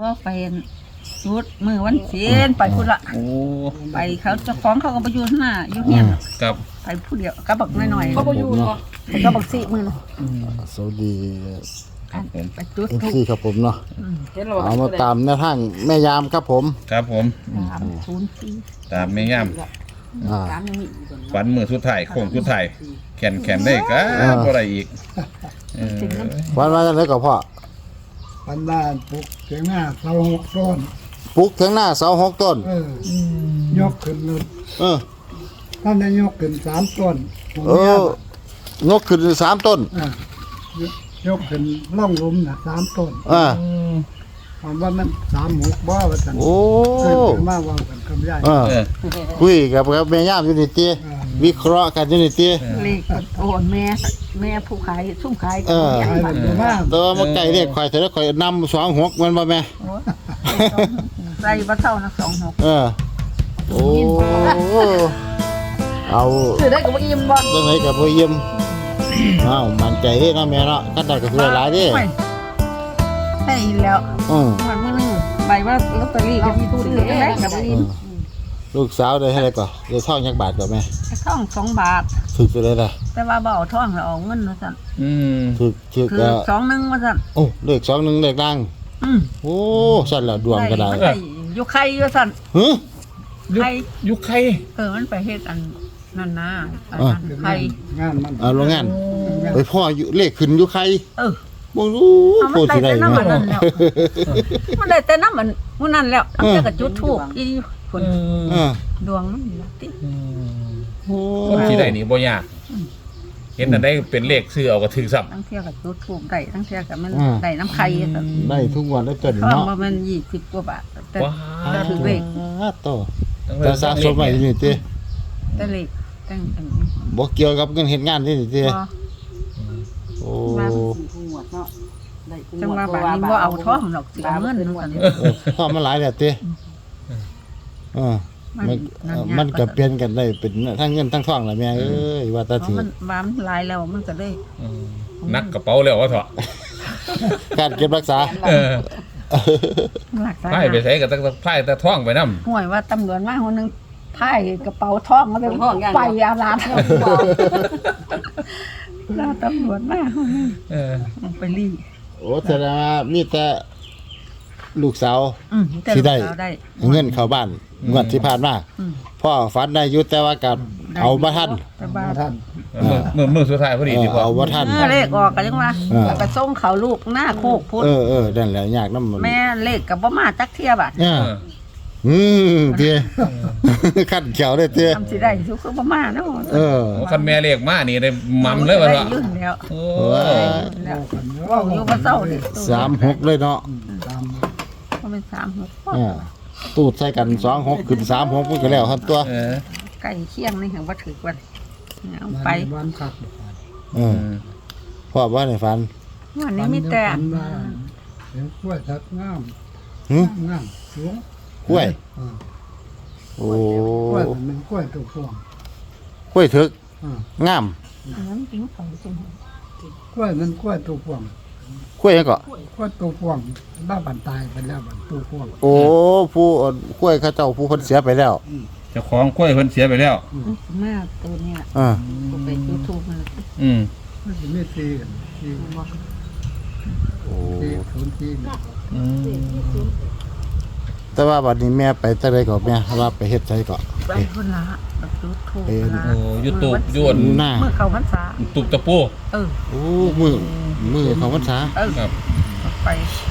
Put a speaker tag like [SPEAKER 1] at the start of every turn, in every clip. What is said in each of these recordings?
[SPEAKER 1] ก็ไปชุดมือวันเสียนไปพุ่นละ
[SPEAKER 2] โอ้
[SPEAKER 1] ไปเขาเจ้าของเขาก็ไปอยู่หน้าอยู่เฮียน
[SPEAKER 2] ครับ
[SPEAKER 1] ไปผู้เดียวก็บักน้อยๆ
[SPEAKER 3] เขาบ่อยู่เนาะ
[SPEAKER 1] ก็บักสิมือนะ
[SPEAKER 4] สวัสดี
[SPEAKER 2] ครับผม
[SPEAKER 1] ไปจุด
[SPEAKER 4] เอฟ
[SPEAKER 1] ทุก
[SPEAKER 4] ซีครับผมเนาะ
[SPEAKER 3] เห็นแล้ว
[SPEAKER 4] เอามาตามแนวทางแม่ยามครับผม
[SPEAKER 2] ครับผม
[SPEAKER 1] 304
[SPEAKER 2] ตามไม่ย่
[SPEAKER 4] อ่า
[SPEAKER 2] ำฝันมือสุดท้ายโค้งสุดท้ายแขนได้ก็บ่ได้อีกเออ
[SPEAKER 4] วันมาจากไหนก็พ่อ
[SPEAKER 5] ปันบ้านปลูกเสียงหน้าเสาหกต้น
[SPEAKER 4] ปลูกถึงหน้าเสา6 ต้น
[SPEAKER 5] ยกขึ้นเลย
[SPEAKER 4] เออ
[SPEAKER 5] ท่านได้ยกขึ้น3 ต้นผม
[SPEAKER 4] เอ
[SPEAKER 5] เนี่ย
[SPEAKER 4] อยกขึ้น3 ต้น
[SPEAKER 5] ยกขึ้นล่องหลุมน่ะ3 ต้น
[SPEAKER 4] อ่า
[SPEAKER 5] ผมว่ามัน36บ่ว่าซั่น
[SPEAKER 4] โอ้
[SPEAKER 5] เกิดมาว่ากันกับยาย
[SPEAKER 4] เออ
[SPEAKER 2] เออ
[SPEAKER 4] คุยกับแม่ยามอยู่นี่ติวิเคราะห์กันอยู่นี่ติ
[SPEAKER 1] เลขโอ้แม่ผู้ขายซุ่มขาย
[SPEAKER 4] เออ
[SPEAKER 1] ใหญ่
[SPEAKER 5] ขาย
[SPEAKER 1] บ้าน
[SPEAKER 5] ได้มา
[SPEAKER 4] แต่ว่ามาไก่เรียกข่อยแต่ละข่อยนำ26มันบ่แม่
[SPEAKER 1] ใส่บ่เท่านะ26
[SPEAKER 4] เออโอ้เอา
[SPEAKER 1] ซื้อได้ก็บ่อิ่มบ่
[SPEAKER 4] จังไหนกับบ่เยี่ยมอ้าวมั่นใจเด้เนาะแม่เนาะคันได้ก็ช่วยหลายเด้
[SPEAKER 1] ได้แล้ว
[SPEAKER 4] อือ
[SPEAKER 1] มันมื้อนึงใบว่าลอตเตอรี่ก็มีตู้ซื้อจังได๋ก็บ่อิ่ม
[SPEAKER 4] ลูกสาวได้เท่าไหร่ก่อนได้ทองยักบาทก่อนแม่
[SPEAKER 1] ท่อง2 บาท
[SPEAKER 4] ถึกไปเลยล่ะ
[SPEAKER 1] แต่ว่าบ่เอาท่องแล้วเอาเงินว่าซั่น
[SPEAKER 2] อืม
[SPEAKER 4] ถึก
[SPEAKER 1] คือ21ว่าซั่น
[SPEAKER 4] โอ้เลข21เลขดัง
[SPEAKER 1] อืม
[SPEAKER 4] โอ้สั่นแล้วดวงก็ได้
[SPEAKER 1] ได้อยู่ไข่ว่าซั่น
[SPEAKER 4] หึ
[SPEAKER 1] ไข่
[SPEAKER 2] ยุคใคร
[SPEAKER 1] มันไปเฮ็ดอันนั่นนะอัน
[SPEAKER 4] อ่ะ
[SPEAKER 1] นั้นไข่
[SPEAKER 5] งานมัน
[SPEAKER 4] เอาโรงงานไปพ่ออยู่เลขขึ้นอยู่ใคร
[SPEAKER 1] เออ
[SPEAKER 4] บ่รู้
[SPEAKER 1] เอา
[SPEAKER 4] โคตรสิได้
[SPEAKER 1] มันได้แต่น้ำมันนั่
[SPEAKER 4] เนาะ
[SPEAKER 1] นแล้ว มันได้แต่น้ำมันมื้อนั้นแล้วน้ำเจ้าก็จุดธูปอีคน
[SPEAKER 4] เออ
[SPEAKER 1] ดวงมันนี่ล่ะติ
[SPEAKER 4] โอ้
[SPEAKER 2] คนที่ได้นี่บ่ยากเห็นอันได้เป็นเลขซื้อเอาก็ถึงซับ
[SPEAKER 1] ทั้งเที่ยก็จุดธูปได้ทั้งเที่ยก็มันได้น้ำไข่ซั่น
[SPEAKER 4] ได้ทุกวันได้ตัวนี้
[SPEAKER 1] ทอง
[SPEAKER 4] เนาะ
[SPEAKER 1] บ่แม่น20กว่าบาทแต่
[SPEAKER 2] ว้า
[SPEAKER 1] แต่ถือเลข
[SPEAKER 4] โตแต่สะสมไว้นี่ติ
[SPEAKER 1] แต่เลขแต่งอันนี้
[SPEAKER 4] บ่เกี่ยวกับเงินเฮ็ดงานนี่ติ
[SPEAKER 1] บ่
[SPEAKER 4] โอ้
[SPEAKER 1] จังว่าบาดนี้บ่เอาทองหรอกสิเอาเงินนั่นซั่น
[SPEAKER 4] พอมาหลายแล้วติเออมันก็เปลี่ยนกันได้เป็นทั้งเงินทั้งทองล่ะแม่เอ้ยว่าแต่
[SPEAKER 1] เพ
[SPEAKER 4] ถื
[SPEAKER 1] ราะ
[SPEAKER 4] อ
[SPEAKER 1] มันบามหลายแล้วมันก็เลย
[SPEAKER 2] นักกระเป๋าแล้วว่าเถอะ
[SPEAKER 4] การเก็บรักษา
[SPEAKER 2] เออ
[SPEAKER 1] รักษา
[SPEAKER 2] ไพ่ไปใส่กับไพ่ตะท่องไปนำ
[SPEAKER 1] ห่วยว่าตำรวจมาคนนึงไถ่กระเป๋าทองมาเลยไปอาลาดแล้วตำรวจมาคนนึง
[SPEAKER 2] เออ
[SPEAKER 1] ไปรี
[SPEAKER 4] โอ้แสดงว่ามีแต่ลูกสาว
[SPEAKER 1] แต่
[SPEAKER 4] สิได้
[SPEAKER 1] ลูกสาวได้
[SPEAKER 4] เงินเข้าบ้านงวดที่ผ่านมา
[SPEAKER 1] อืม
[SPEAKER 4] พ่อฝันได้อยู่แต่ว่ากับเอาบ่ทัน
[SPEAKER 1] แต่บ้า
[SPEAKER 5] ท่าน
[SPEAKER 2] มือสุดท้ายพอดีดีกว่า
[SPEAKER 4] เอาบ่ทัน
[SPEAKER 1] เลขออกกันยังว่าไปส่งเขาลูกหน้าโคกพุทธ
[SPEAKER 4] เออนั่นแหละยากนำ
[SPEAKER 1] แม่เลขกับบ่มาจักเทียบอ่ะ
[SPEAKER 4] เออเตี้ยคันเขียวได้เตี้ย
[SPEAKER 1] ทำสิได้สุคือบ่มาเนาะ
[SPEAKER 4] เออ
[SPEAKER 2] โอ้คันแม่เลขมานี่ได้มั่มเลยว่า
[SPEAKER 1] ได้
[SPEAKER 2] เถอะ
[SPEAKER 1] ยื่นแล้ว
[SPEAKER 2] โอ้
[SPEAKER 1] แล้วว่าอยู่บ่เศร้าดิ
[SPEAKER 4] 36เลยเนาะ
[SPEAKER 1] บ่เป็น36
[SPEAKER 4] ตูดใส่กัน26ขึ้น36มันก็แล้วทันตัว
[SPEAKER 2] เออ
[SPEAKER 1] ใกล้เคียงนี่เห็นบ่ถึกว่าเอาไป
[SPEAKER 5] วันขับ
[SPEAKER 4] เออพ่อว่าให้ฝัน
[SPEAKER 1] วันนี้มีแต่
[SPEAKER 5] ปันว่าเห็นกล้วยทักงาม
[SPEAKER 4] หึ
[SPEAKER 5] งามสูง
[SPEAKER 4] กล้วย
[SPEAKER 5] อ่า
[SPEAKER 4] โอ้
[SPEAKER 5] กล้วยมันกล้วยตัวพวง
[SPEAKER 4] กล้วยถึก
[SPEAKER 5] อ่าง
[SPEAKER 4] าม
[SPEAKER 1] อันนั้นกินของจริง
[SPEAKER 5] กล้วยมันกล้วยตัวพวง
[SPEAKER 4] กล้วยหยังก็
[SPEAKER 5] กล้วยตัวพวงบ้าบันตายไปแล้วบันตัวพวง
[SPEAKER 4] โอ้ผู้กล้วยเขาเจ้าผู้เพิ่นเสียไปแล้ว
[SPEAKER 2] เจ้าของกล้วยเพิ่นเสียไปแล้ว
[SPEAKER 1] มากตัวเนี้ย
[SPEAKER 4] อ่า
[SPEAKER 1] ไปยูทูบมัน
[SPEAKER 2] อืม
[SPEAKER 5] มันจะไม่ตีกันตี
[SPEAKER 4] โอ้
[SPEAKER 5] ตีศูนย์ตีกัน
[SPEAKER 2] อืม
[SPEAKER 4] แต่ว่าบัดนี้แม่ไปแต่ใดก็แม่ว่าไปเฮ็ดไสก็
[SPEAKER 1] ไปคนละแบบยูทูบ
[SPEAKER 2] โอ้ยูทูบยวน
[SPEAKER 4] หน้า
[SPEAKER 1] เมื่อเขาพรรษา
[SPEAKER 2] ตุบตะปู
[SPEAKER 1] เออ
[SPEAKER 4] โอ้มือของพรรษา
[SPEAKER 1] เออ
[SPEAKER 2] ครับ
[SPEAKER 1] ไป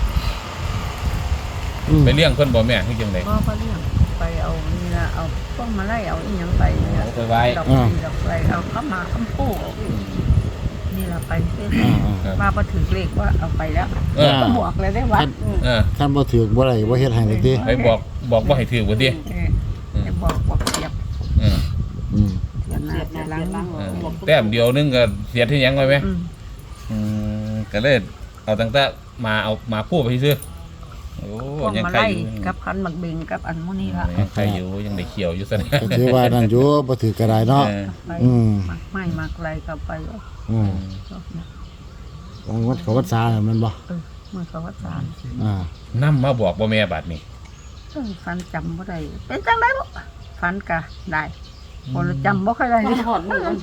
[SPEAKER 2] ไปเลี้ยงเพิ่นบ่แม่คือจังได๋
[SPEAKER 1] ก็เรื่องไปเอานี่ละเอาพวกมาไล่เอาอีหยังไปเนี่ย
[SPEAKER 2] เอาไปไว้
[SPEAKER 1] ดอกดอกไปเอาเข้ามาคำพูนี่ละไปเรื่อย
[SPEAKER 2] ครับ
[SPEAKER 1] มาพอถึงเลขว่าเอาไปแล้ว
[SPEAKER 2] เออ
[SPEAKER 1] ก็บอกเลยได้วัด
[SPEAKER 2] เออ
[SPEAKER 4] คันบ่ถือบ่ได้บ่เฮ็ดให้เลยติ
[SPEAKER 2] ไปบอกว่าให้ถือบ่ติ
[SPEAKER 1] จะบอกเสียบ
[SPEAKER 2] เออ
[SPEAKER 4] อืม
[SPEAKER 1] เสียบหน้าเสียบหลัง
[SPEAKER 2] เออแต้มเดียวนึงก็เสียที่หยังไว้ไหม
[SPEAKER 1] อืม
[SPEAKER 2] ก็เลยเอาตั้งแต่มาคู่ไปซื้อโอ้
[SPEAKER 1] พวก
[SPEAKER 2] ยัง
[SPEAKER 1] มา
[SPEAKER 2] ใคร
[SPEAKER 1] ไล่
[SPEAKER 2] อยู่
[SPEAKER 1] กับพันหมักเบงกับอันมุนี่ละ
[SPEAKER 2] ยังใครอยู่ยังได้เขียวอยู่ซะนะ
[SPEAKER 4] ก็ถือว่านั่นอยู่บ่ถือก็ได้เนาะ
[SPEAKER 2] เออ
[SPEAKER 1] ไป
[SPEAKER 4] อืม
[SPEAKER 1] ไม่มักไรกับไป
[SPEAKER 4] อืมวันเขาพรรษาน่ะแมันบ่
[SPEAKER 1] มือเขาว่าสาร
[SPEAKER 2] นำมาบอกบ่แม่บัดนี้
[SPEAKER 1] ฝันจำบ่ได้เป็นจังไดบ่ฝันก็ได้บ่จำบ่ค่อยได้
[SPEAKER 3] มันหอดมือมัน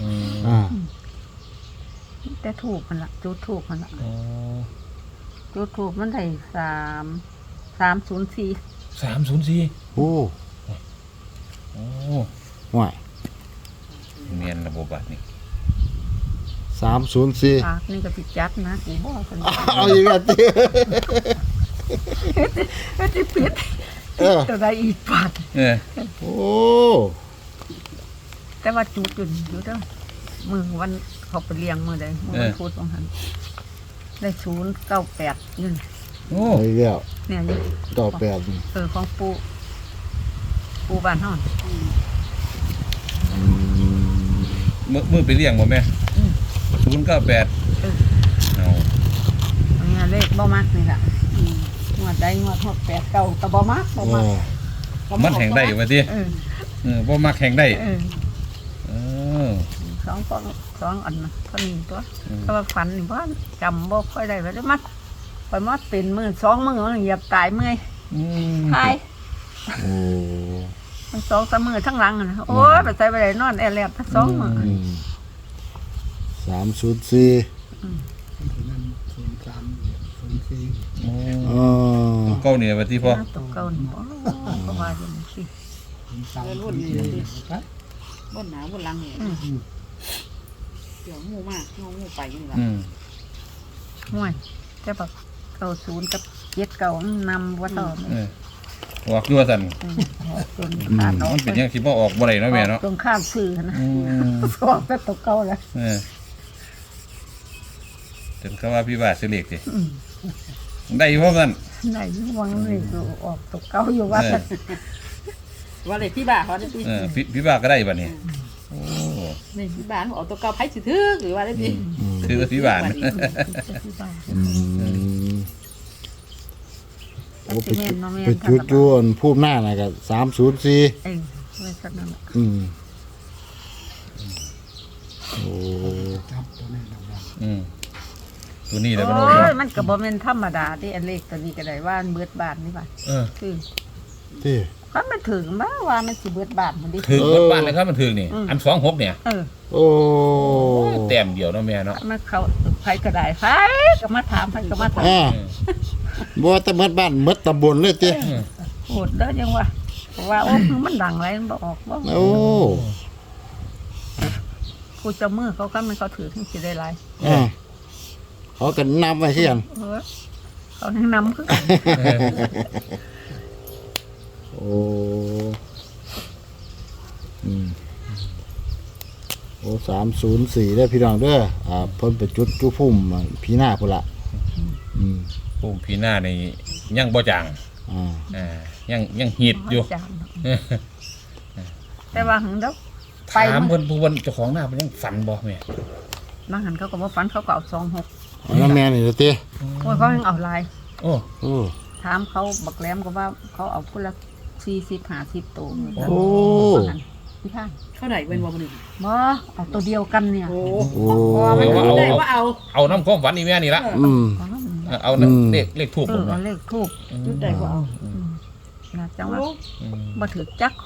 [SPEAKER 1] แต่ถูกมันล่ะจุดถูกมันล่ะ
[SPEAKER 2] อ๋อ
[SPEAKER 1] จุดถูกมันได้304
[SPEAKER 2] 304
[SPEAKER 4] โอ้
[SPEAKER 2] โอ้
[SPEAKER 4] ห่วย
[SPEAKER 2] เมียนระบบบัดนี้
[SPEAKER 4] 304
[SPEAKER 1] ปากนี่ก็สิจัดนะกูบ่ซั่น
[SPEAKER 4] เอาอีกแล้วติ
[SPEAKER 1] ก็สิปิดตัวใดอีกปาก
[SPEAKER 4] โอ้
[SPEAKER 1] แต่ว่าจุดอยู่เด้อมือวันเขาไปเลี้ยงมื้อใดมื้อวันพุธของหันได้098อยู่
[SPEAKER 2] โอ้
[SPEAKER 4] เอาอีกแล้ว
[SPEAKER 1] เนี่ยอยู่
[SPEAKER 4] ต่อแปด
[SPEAKER 1] ของปูบ้านเฮา
[SPEAKER 2] มือไปเลี้ยงบ่แม่098เอา
[SPEAKER 1] อันนี้เลขบ่มักนี่ล่ะงวดใดงวด68เก่าก็บ่มักบ่มัก
[SPEAKER 2] มันแห่งได้ว่าติบ่มักแห่งได้
[SPEAKER 1] สองอันนะเท่านี้ตัวถ้าว่าฝันนี่บ่จำบ่ค่อยได้ว่าได้มัดไปมัดเป็นมื้อ2มื้อเหยียบตายเมื่อยตาย
[SPEAKER 4] โอ้
[SPEAKER 1] มัน2-3มื้อทั้งหลังน่ะโอ้ยไปใส่ไปได้นอนแอแลบทั้ง2มื้อ
[SPEAKER 4] 304
[SPEAKER 2] เก้าเนี่ยว่าที่พ่อ
[SPEAKER 1] ตกเก่านี่บ่ก็ว่าอยู่สิ
[SPEAKER 3] รุ่นนี่บนหนาบนหลังเนี่ยเดี๋ยวงูมากงูไปยังไง
[SPEAKER 1] ห่วยแต่บัก90กับ79นำบ่ต่อแม่
[SPEAKER 2] ออกด้วยสั่น
[SPEAKER 1] จนขาดออก
[SPEAKER 2] มันเป็นยังสิบ่ออกบ่ได้เนาะแม่เนาะ
[SPEAKER 1] จนข้ามซื้อนะสองแต่ตกเก่าแล้ว
[SPEAKER 2] จนเขาว่าพี่ว่าซื้อเลขสิได้พร้อมกัน
[SPEAKER 1] ไหนวังเลยออกตกเก่าอยู่ว่า
[SPEAKER 3] ว่าเลยที่บ้านเขาได้ที่
[SPEAKER 2] พี่ว่าก็ได้บัดนี้โอ้
[SPEAKER 3] ในที่บ้านเอาตัวเก่าไผ่สิถือหรือว่าได้ที่
[SPEAKER 2] คือพี่ว่า
[SPEAKER 4] โอ้ไปจุดจวนภูมิหน้าน่ะก็304
[SPEAKER 1] ไม่สักนั่น
[SPEAKER 4] โอ้
[SPEAKER 2] ตัวนี้แหละ
[SPEAKER 1] โอ้
[SPEAKER 2] บ่รู้
[SPEAKER 1] ยมันก็บ่แม่นธรรมดาที่อันเล็กตัวนี้ก็ได้ว่าเบิดบาทนี่ป่ะคือ
[SPEAKER 4] ที่
[SPEAKER 1] คันมันถึงมาว่ามันสิเบิดบาทมันดิ
[SPEAKER 2] ถึงรถบ้านเลยครับมันถึงนี่อัน26เนี่ย
[SPEAKER 4] โอ้
[SPEAKER 2] แต้มเดียวเนาะแม่เนาะ
[SPEAKER 1] มันเขาไผก็ได้ไผก็มาถามไผก็มาถาม
[SPEAKER 4] บ่แต่หมดบ้านหมดตำบลเลยติ
[SPEAKER 1] โหดเด้อจังว่าว่าโอ้มันดังไรมันบ่ออกบ่
[SPEAKER 4] โอ้
[SPEAKER 1] กูจะมือเขาก็มันเขาถือถึงสิได้หลาย
[SPEAKER 4] เขาก็นำไว้คือกัน
[SPEAKER 1] เขาแนะนำคือ
[SPEAKER 4] โอ้โอ้304ได้พี่น้องเด้อเพิ่นไปจุดจุพุ่มพี่หน้าพุ่นละ
[SPEAKER 2] โอ้พี่หน้านี่ยังบ่จางยังฮีดอยู่
[SPEAKER 1] แต่ว่าหึงเด้อ
[SPEAKER 2] ถามเพิ่นผู้เจ้าของหน้าเพิ่นยังฝันบ่แม่
[SPEAKER 1] บางหันเขาก็บ่ฝันเขาก็เอา26
[SPEAKER 4] แล้วแม่นี่ติ
[SPEAKER 1] โอ้ยเขายังเอาหลาย
[SPEAKER 2] โอ้
[SPEAKER 1] ถามเขาบักแหลมก็ว่าเขาเอาคนละ40-50ตัว
[SPEAKER 4] โอ้
[SPEAKER 1] พี่ท่าน
[SPEAKER 3] เท่าไหร่เป็นวันหนึ่ง
[SPEAKER 1] บ่เอาตัวเดียวกันเนี่ย
[SPEAKER 3] โอ้
[SPEAKER 4] โอ้
[SPEAKER 3] ได้ว่าเอา
[SPEAKER 2] น้ำความฝันนี่แม่นี่ละเอาเลขถูก
[SPEAKER 1] เอาเลขทูบ
[SPEAKER 3] จุดได้ว่าเอา
[SPEAKER 1] นะจังว่าบ่ถือจักคน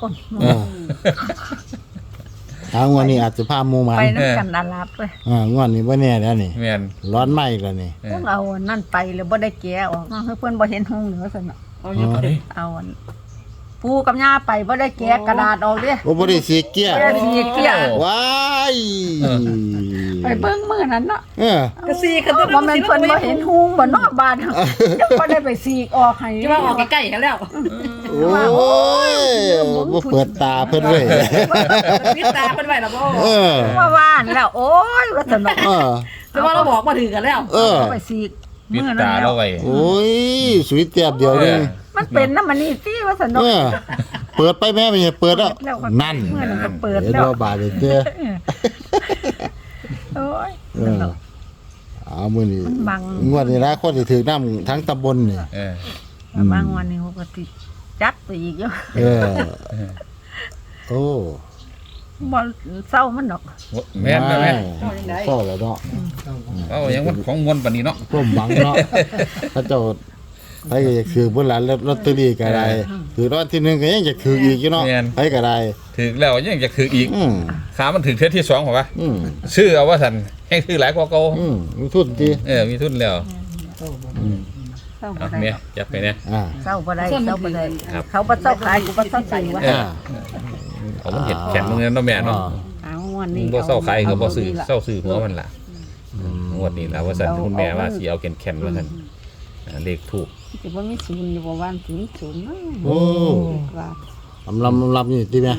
[SPEAKER 4] ทางวันนี้อาจจะพาหมู่หมาน
[SPEAKER 1] ไปนำกันอาลาบเลย
[SPEAKER 4] งวดนี้บ่แน่แล้วนี่
[SPEAKER 2] แม่น
[SPEAKER 4] ร้อนไหม้แล้วนี่
[SPEAKER 1] ต้องเอานั่นไปแล้วบ่ได้แกะออกเพิ่นบ่เห็นห้องเหนือซั่นน่ะ
[SPEAKER 3] เอาเยอะไป
[SPEAKER 1] เอาปูกับย่าไปบ่ได้แกะกระดาษออกเด้
[SPEAKER 4] โอ้บ่ได้สีเกี้ย
[SPEAKER 1] บ่ได้สีเกี้ย
[SPEAKER 4] ว้าย
[SPEAKER 1] ไปเบิ่งมื้อนั้นเนาะ
[SPEAKER 3] กระซีกันตัว
[SPEAKER 1] บ่แม่นเพิ่นบ่เห็นห้องบ่นอกบ้านยังบ่ได้ไปสีกออกให้
[SPEAKER 3] จะว่าออกใกล้ๆกันแล้ว
[SPEAKER 4] โอ้ยบ่เปิดตาเพิ่นเว้ย
[SPEAKER 3] ปิดตาเป็นไหวแล้วพ่อ
[SPEAKER 1] ว่าว่านแล้วโอ้ยว่าซั่นเนาะ
[SPEAKER 3] จะว่าเราบอกมาถึงกันแล้ว
[SPEAKER 1] ไปสี
[SPEAKER 2] ปิด
[SPEAKER 1] มื้อ
[SPEAKER 2] ตา
[SPEAKER 1] นั้น
[SPEAKER 2] เรา
[SPEAKER 1] แล้ว
[SPEAKER 2] ไว้
[SPEAKER 4] โอ้ยสวยเตียบเดียวนึง
[SPEAKER 1] มันเป็นน้ำมันนี่สิว่าซั่นเนาะ
[SPEAKER 4] เปิดไปแม่ไม่ใช่เปิดแล้วนั่น
[SPEAKER 1] มื้อนั้นก็เปิด
[SPEAKER 4] เห็น
[SPEAKER 1] แล้ว
[SPEAKER 4] ว่าบาดเด้อ
[SPEAKER 1] โอ้ย
[SPEAKER 4] เอามื้อนี้
[SPEAKER 1] บัง
[SPEAKER 4] งวดนี้ละคนที่ถือน้ำทั้งตำบลนี่
[SPEAKER 1] บางวันนี้เขาก็ติจัดไปอีกเยอะ
[SPEAKER 4] โอ้
[SPEAKER 1] บ่เศร้ามันดอก
[SPEAKER 2] แม่นนะแม่
[SPEAKER 4] เศร้าแล้วเนาะ
[SPEAKER 2] เอาอย่างมันของมวลปานนี้เนาะ
[SPEAKER 4] ร่มหวังเนาะพระเจ้าไปก็อยากถือเพิ่นหลานลอตเตอรี่ก็ได้ถือรางวัลที่1ก็ยังอยากถืออีกอยู่เนาะไปก็ได้
[SPEAKER 2] ถึกแล้วยังจะถึกอีก
[SPEAKER 4] อืม
[SPEAKER 2] ขามันถึกเทื่อที่2เหรอวะ
[SPEAKER 4] อืม
[SPEAKER 2] ชื่อเอาว่าซั่นแห่งคือหลายกว่าเก่า
[SPEAKER 4] มีทุนติ
[SPEAKER 2] มีทุนแล้ว
[SPEAKER 1] เศร้าบ่
[SPEAKER 2] เอา
[SPEAKER 1] ได้
[SPEAKER 2] แม่จับไปเนี่ย
[SPEAKER 4] อ่า
[SPEAKER 1] เศร้าบ่ได้เศร้าบ่ได้
[SPEAKER 2] ครับ
[SPEAKER 1] เขาบ่เศร้าขายกูบ่เศร้าซื้อวะ
[SPEAKER 4] อ่า
[SPEAKER 2] เอามันเห็ดแข็งตรงนั้นเนาะแม่เนาะ
[SPEAKER 1] เอางวด
[SPEAKER 2] มึ
[SPEAKER 1] นี้
[SPEAKER 2] งบ่เศร้าขายก็บ่ซื้อ
[SPEAKER 1] ละ
[SPEAKER 2] เศร้าซื้อหัวมันล่ะงวดนี้ล่ะว่าซั่นคุณแม่ว่าสิเอาแข็งๆว่าซั่นเลขถูก
[SPEAKER 1] สิบ่มีศูนย์อยู่บ่ว่าสิมีศูนย์นะ
[SPEAKER 4] โอ้
[SPEAKER 1] ว่า
[SPEAKER 4] ลำนี่ติแม่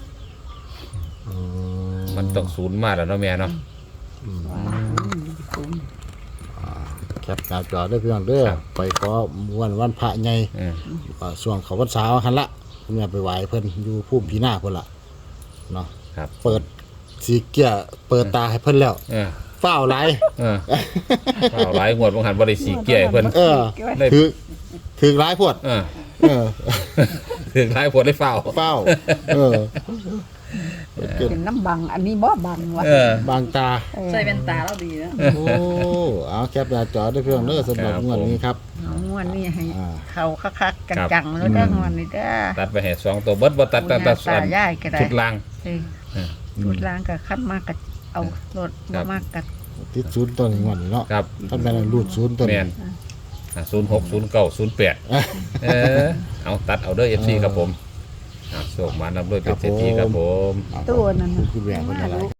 [SPEAKER 2] มันต้องศูนย์มาแล้วเนาะแม่เนาะ
[SPEAKER 1] ศูนย์
[SPEAKER 4] แคปหน้าจอได้เพียงเด้อ
[SPEAKER 2] ครับ
[SPEAKER 4] ไปขอวันพระใหญ่
[SPEAKER 2] อืม
[SPEAKER 4] ช่วงเขาพรรษาหั่นละคุณแม่ไปไหว้เพิ่นอยู่ภูมิพีหน้าเพิ่นล่ะเนาะ
[SPEAKER 2] ครับ
[SPEAKER 4] เปิดสีเกียเปิดตาให้เพิ่นแล้ว
[SPEAKER 2] เออ
[SPEAKER 4] ฝ้าวหลาย
[SPEAKER 2] เอาหลายงวดบ่หันบ่ได้สีเกี้ยให้เพิ่น
[SPEAKER 4] เออ
[SPEAKER 2] เลย
[SPEAKER 4] ถือหลายพวด
[SPEAKER 2] เออ
[SPEAKER 4] เออ
[SPEAKER 2] ถึงหลายผลได้เฝ้า
[SPEAKER 4] ฝ้าวเออ
[SPEAKER 1] เป็นน้ำบังอันนี้บ่บังวะ
[SPEAKER 4] บางตา
[SPEAKER 3] ใส่แว่นตาแล้วดีนะ
[SPEAKER 4] โอ้เอาแคปหน้าจอได้เพียงเด้อสำหรับ
[SPEAKER 2] ครับ
[SPEAKER 4] งวดนี้ครับ
[SPEAKER 1] เอางวดนี้ให้
[SPEAKER 4] อ่า
[SPEAKER 1] เขาคักๆกันจังแล้วเด้องวดนี้เด้อ
[SPEAKER 2] ตัดไปให้2ตัวเบิดบ่ตัด
[SPEAKER 1] ตา
[SPEAKER 2] ตัด
[SPEAKER 1] ย่ายก็ได้
[SPEAKER 2] ชุดล่าง
[SPEAKER 1] ชุดล้างก็คัดมากก็เอารถ
[SPEAKER 2] ครั
[SPEAKER 1] บ่
[SPEAKER 2] บ
[SPEAKER 1] มากก็
[SPEAKER 4] ติดศูนย์ตัวนี้งวดนี้เนาะ
[SPEAKER 2] ครับ
[SPEAKER 4] ท่านแม่นรูดศูนย์ตัว
[SPEAKER 2] แม่
[SPEAKER 4] นี้
[SPEAKER 2] น06 09 08เอาตัดเอาเด้อ FC ครับผมโชคมานำด้วยเป็นเศรษฐีครับผม
[SPEAKER 1] ตัวนั้น
[SPEAKER 4] คุณแม่เพิ่นอะไร